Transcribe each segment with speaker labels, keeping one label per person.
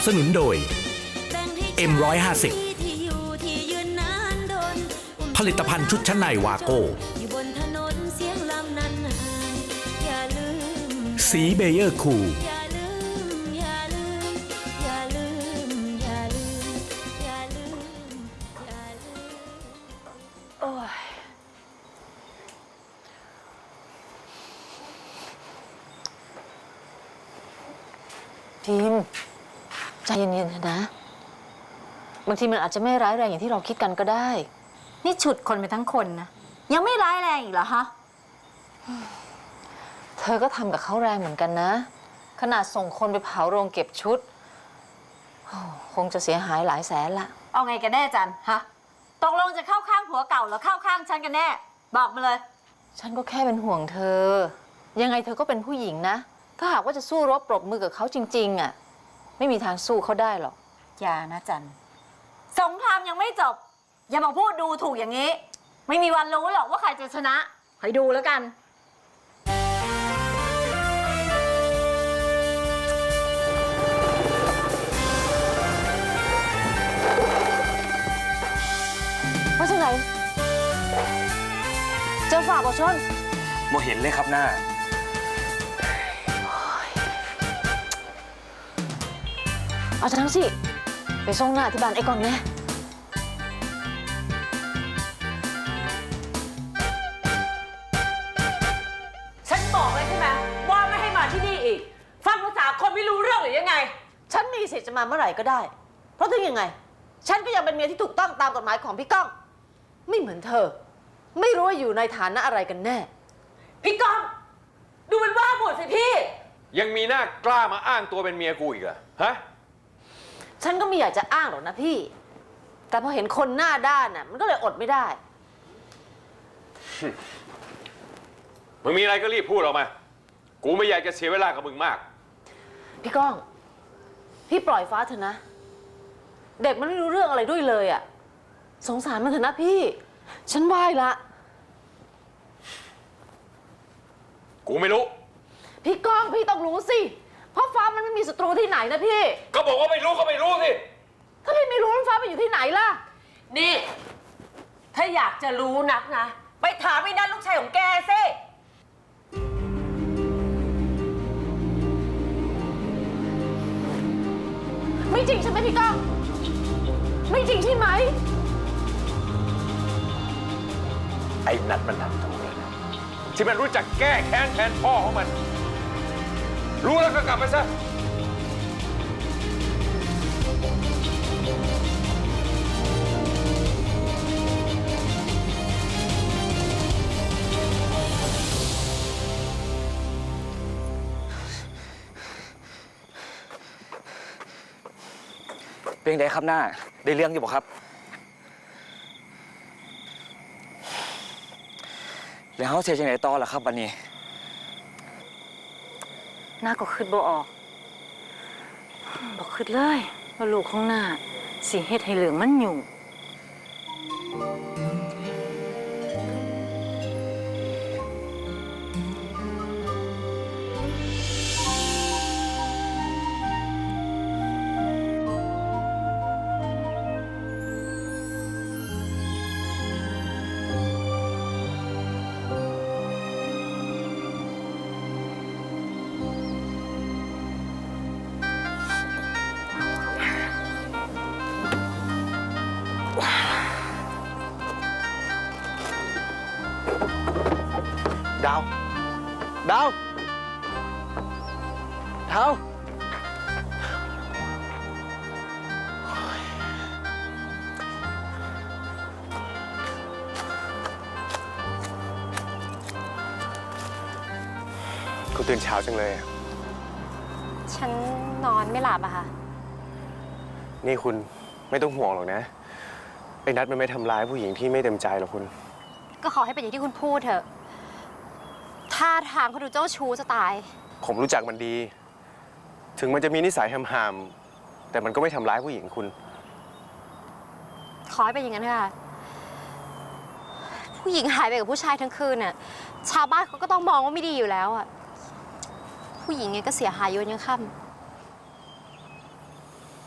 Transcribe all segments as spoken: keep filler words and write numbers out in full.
Speaker 1: สนุนโดย เอ็ม หนึ่งห้าศูนย์ ผลิตภัณฑ์ชุดชั้นในวาโก้สีเบเยอร์คูล
Speaker 2: ทีมใจเย็นๆนะบางทีมันอาจจะไม่ร้ายแรงอย่างที่เราคิดกันก็ได้
Speaker 3: นี่ฉุดคนไปทั้งคนนะยังไม่ร้ายแรงอีกเหรอฮะ
Speaker 2: เธอก็ทำกับเขาแรงเหมือนกันนะขนาดส่งคนไปเผาโรงเก็บชุดคงจะเสียหายหลายแสนละ
Speaker 3: เอาไงกันแน่จันฮะตกลงจะเข้าข้างผัวเก่าหรือเข้าข้างฉันกันแน่บอกมาเลย
Speaker 2: ฉันก็แค่เป็นห่วงเธอยังไงเธอก็เป็นผู้หญิงนะถ้าหากว่าจะสู้รบปรบมือกับเขาจริงๆอ่ะไม่มีทางสู้เขาได้หรอก
Speaker 3: อย่านะจันสงครามยังไม่จบอย่ามาพูดดูถูกอย่างนี้ไม่มีวันรู้หรอกว่าใครจะชนะคอยดูแล้วกัน
Speaker 2: ว่าจังไหนเจอฝ่าบ่ชน
Speaker 4: โมเห็นเลยครับหน้า
Speaker 2: เอาทั้งสิไปส่งหน้าที่บ้านไอ้กอนแน่
Speaker 5: ฉันบอกเลยใช่ไหมว่าไม่ให้มาที่นี่อีกฟังภาษาคนไม่รู้เรื่องหรือยังไง
Speaker 2: ฉันมีสิทธิ์จะมาเมื่อไหร่ก็ได้เพราะถึงยังไงฉันก็ยังเป็นเมียที่ถูกต้องตามกฎหมายของพี่ก้องไม่เหมือนเธอไม่รู้ว่าอยู่ในฐานะอะไรกันแน่
Speaker 5: พี่ก้องดูมันว่าหมดสิพี่
Speaker 4: ยังมีหน้ากล้ามาอ้างตัวเป็นเมียกูอีกเหรอฮะ
Speaker 2: ฉันก็ไม่อยากจะอ้างหรอกนะพี่แต่พอเห็นคนหน้าด้านน่ะมันก็เลยอดไม่ได้
Speaker 4: มึงมีอะไรก็รีบพูดออกมากูไม่อยากจะเสียเวลากับมึงมาก
Speaker 2: พี่ก้องพี่ปล่อยฟ้าเถอะนะเด็กมันไม่รู้เรื่องอะไรด้วยเลยอ่ะสงสารมันเถอะนะพี่ฉันไหว้ละ
Speaker 4: กูไม่รู้
Speaker 2: พี่ก้องพี่ต้องรู้สิเพราะฟ้ามันไม่มีศัตรูที่ไหนนะพี่
Speaker 4: ก็บอกว่าไม่รู้ก็ไม่รู้สิ
Speaker 2: ถ้าพี่ไม่รู้ฟ้าไปอยู่ที่ไหนล่ะ
Speaker 5: นี่ถ้าอยากจะรู้นักนะไปถามไอ้นั่นลูกชายของแกสิ
Speaker 2: ไม่จริงใช่ไหมพี่ก้องไม่จริงใช่ไหม
Speaker 4: ไอ้นัดมันทำถูกแล้วนะที่มันรู้จักแก้แค้นแทนพ่อของมันรู้แล้วก็กลับไปซะ
Speaker 6: เป็นไงครับหน้าได้เรื่องอยู่บ่ครับแล้วเขาเสียจังไหนต่อล่ะครับวันนี้
Speaker 3: หน้าก็คิดบ่ออกบอกคิดเลยว่าลูกของหน้าสิเฮ็ดให้เหลืองมันอยู่
Speaker 6: ดาวดาวดาว
Speaker 4: กูตื่นเช้าจังเลย
Speaker 3: ฉันนอนไม่หลับอะค่ะ
Speaker 4: นี่คุณไม่ต้องห่วงหรอกนะไอ้นัดมันไม่ทำร้ายผู้หญิงที่ไม่เต็มใจหรอกคุณ
Speaker 3: ก็ขอให้เป็นอย่างที่คุณพูดเถอะท่าทางเขาดูเจ้าชู้จะตาย
Speaker 4: ผมรู้จักมันดีถึงมันจะมีนิสัยห่ามๆแต่มันก็ไม่ทำร้ายผู้หญิงคุณ
Speaker 3: ขอให้เป็นอย่างนั้นค่ะผู้หญิงหายไปกับผู้ชายทั้งคืนน่ะชาวบ้านเขาก็ต้องมองว่าไม่ดีอยู่แล้วอ่ะผู้หญิงไงก็เสียหายอยู่ยังค่ำ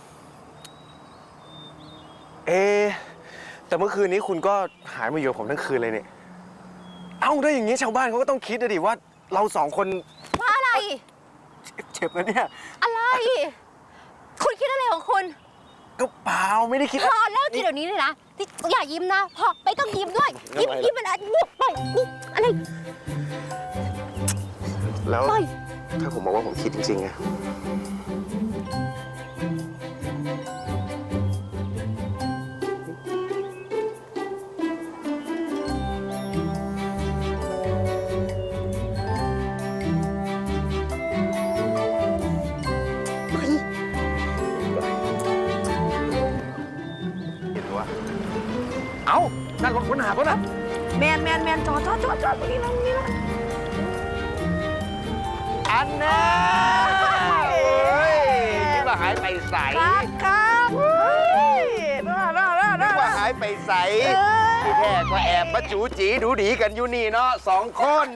Speaker 7: เอะแต่เมื่อคืนนี้คุณก็หายมาอยู่กับผมทั้งคืนเลยเนี่ยเอ้าได้อย่างนี้ชาวบ้านเขาก็ต้องคิดนะดิว่าเราสองคน
Speaker 8: ว่าอะไร
Speaker 7: เจ็บนะเนี่ย
Speaker 8: อะไร คุณคิดอะไรของคุณ
Speaker 7: ก็เปล่าไม่ได้คิด
Speaker 8: พอเลิกคิดเดี๋ยวนี้เลยนะที่อย่ายิ้มนะ พอไม่ต้องยิ้มด้วย ยิ้ม
Speaker 7: ทำไมล่ะ
Speaker 8: ยิ้มมันอะไรนี่ปล่อยนี่อะไร
Speaker 7: แล้ว
Speaker 8: ปล่อย
Speaker 7: ถ้าผมบอกว่าผมคิดจริงๆอะ เห็นว่าเอ้านั่นรถค้นหาปะนะ
Speaker 3: แมนแมนแมนจอดจอดจอดจอดตรงนี้นะตรงนี้นะ
Speaker 7: อันน่ะเอ้ยคิดว่าหายไปใส
Speaker 3: ครับครับเฮ้ยน่าน่าน่า
Speaker 7: นึ
Speaker 3: น่าก
Speaker 7: ว่าหายไปใสที่แท้ก็แอบมาจูจีดูดีกันอยู่นี่เนาะสองคน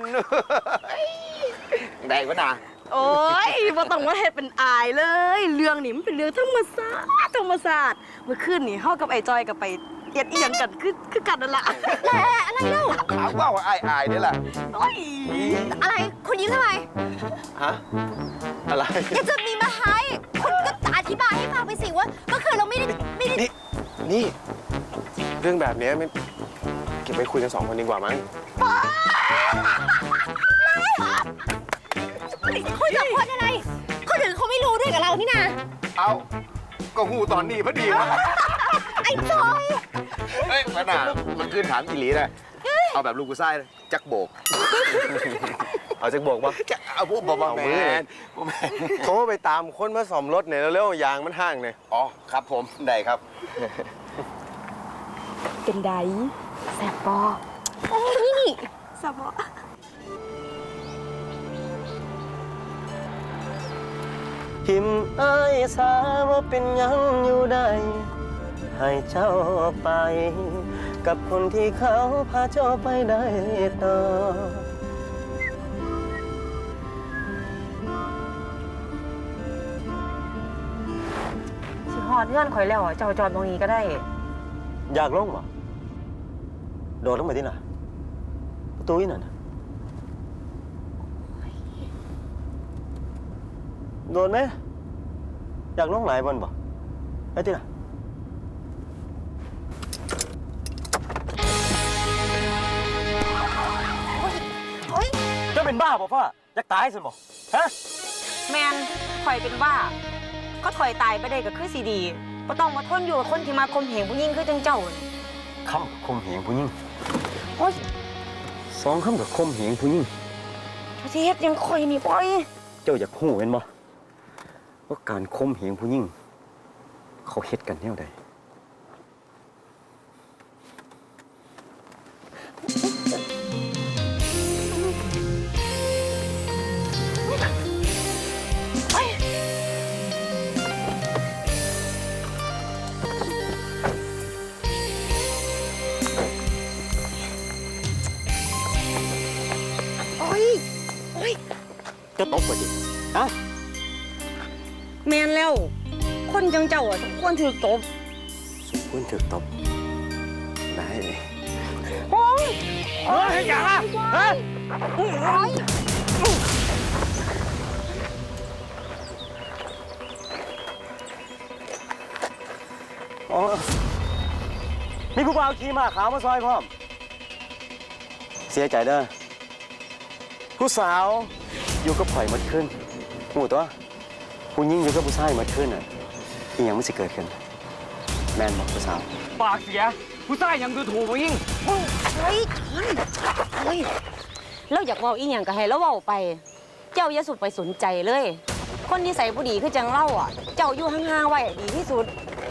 Speaker 7: ได้ปะนะ
Speaker 3: โอ้ยบ่ต้องมาเฮ็ดเป็นอายเลย เรื่องนี้มันเป็นเรื่องธรรมศาสตร์ธรรมศาสตร์เมื่อคืนนี่เฮากับไอ้จอยกับไปเอียดเอียงกันคือคือกันนั่นล่ะ
Speaker 8: แหละอะไรเล่า
Speaker 7: ถามว่าว่าอายอายนี่แหละ
Speaker 3: โอ้ย
Speaker 8: อะไร คุณยิ้มทำไม
Speaker 7: ฮะ อะไร
Speaker 8: แกจะมีมาให้คุณก็อธิบายให้ฟังไปสิว่าเมื่อคืนเราไม่ได้ไม่ได้
Speaker 7: นี่ นี่ เรื่องแบบนี้มันเก็บไปคุยกันสองคนดีกว่ามั้ง
Speaker 8: คุยกับคนอะไร คนอื่นเขาไม่รู้ด้วยกับเรานี่นะ
Speaker 7: เอาก็หูตอนนี้พอดีวะ
Speaker 8: ไอ้จอย
Speaker 7: เฮ้ยมันอ่ะมันขึ้นถามอีหลีนะเอาแบบลูกกูไส้เลยจักโบก เอาจักโบกปะจะเอาพวกบอกว่าแมนโทรไปตามคนมาซ่อมรถเนี่ยแล้วเร็วยางมันห้างเนี่ยอ๋อครับผมได้ครับ
Speaker 3: เป็นได
Speaker 8: แสบปอนี่นี่
Speaker 3: สบอ
Speaker 9: ทิมอายสาว่าเป็นยังอยู่ได้ ให้เจ้าไป กับคนที่เขาพาเจ้าไปได้ต่อ
Speaker 3: สิฮอดเงื่อนข่อยแล้วอ่ะเจ้าจอดตรงนี้ก็ได้
Speaker 9: อยากลงบ่โดดลงไปที่ไหนประตูนี่น่ะโดดไหมอยากลงหลายบนบ่ไปที่ไหนจะเป็นบ้าบ่พ่ออยากตายสิบ่ฮะ
Speaker 3: แมนข่อยเป็นบ้า ก็ข่อยตายไปได้ก็คือสีดีบ่ต้องมาทนอยู่กับคนที่มาข่มเหงผู้หญิงคือจังเจ้าน่ะ
Speaker 9: คำกับคมเหงผู้หญิงโอ้ยสองคำกับคมเหงผู้หญิง
Speaker 3: เจ้าสิเฮ็ดหยังข่อยนี่ปล่อย
Speaker 9: เจ้าอยากหู้เห็นบ่ว่าการคมเหงผู้หญิงเขาเฮ็ดกันแนวใด
Speaker 3: โอ้ยโอ้ย
Speaker 9: จะตบบ่จิฮะ
Speaker 3: แมนแล้ว คนจังเจ้าอ่ะสมควรถูกตบ
Speaker 9: คุณถึกตบได้เลย
Speaker 3: โอ้ย
Speaker 9: เฮ้ยอย่าฮะ
Speaker 3: โอ้ย
Speaker 9: อ๋อมีผู้บ่าวขี่ม้าขาวมาซอยพร้อม เสียใจเด้อผู้สาวอยู่กับข่อยหมดขึ้นหูตัวผู้หญิงอยู่กับผู้ชายหมดขึ้นอ่ะอีหยังมันสิเกิดขึ้นแม่นบอกผู้สาว
Speaker 6: ปากเสีย ผู้ชายยังดูถูกผู้หญิง
Speaker 8: เฮ้ยชนเฮ้ยเราอยากเว่าอีหยังก็ให้เราเว้าไป เจ้าอย่าสุดไปสนใจเลย คนที่ใส่ผู้ดีคือจังเล่าอ่ะ เจ้าอยู่ห่างๆไว้ดีที่สุด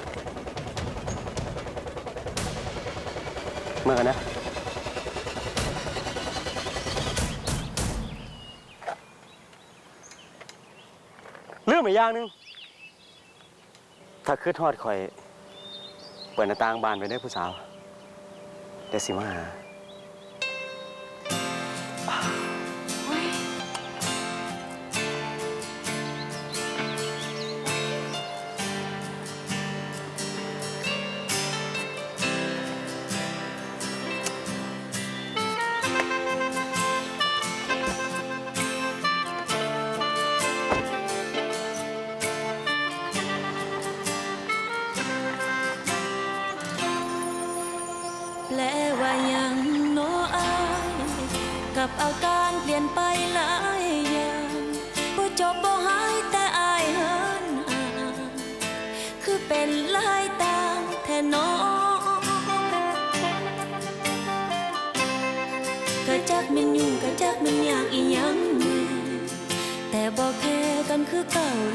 Speaker 9: เมื่อกันนะเรื่องอีกอย่างหนึงถ้าคืดทอดข่อย เปิดหน้าต่างบ้านไปได้ผู้สาวเดี๋ยวสิมาหา
Speaker 10: กับอาการเปลี่ยนไปหลายอย่างบ่จบบ่หายแต่อายหันห่างคือเป็นลายต่างแท้น้องก็จักแม่นยุ่งก็จักแม่นยากอีหยังแน่แต่บ่แค่กันคือเก่า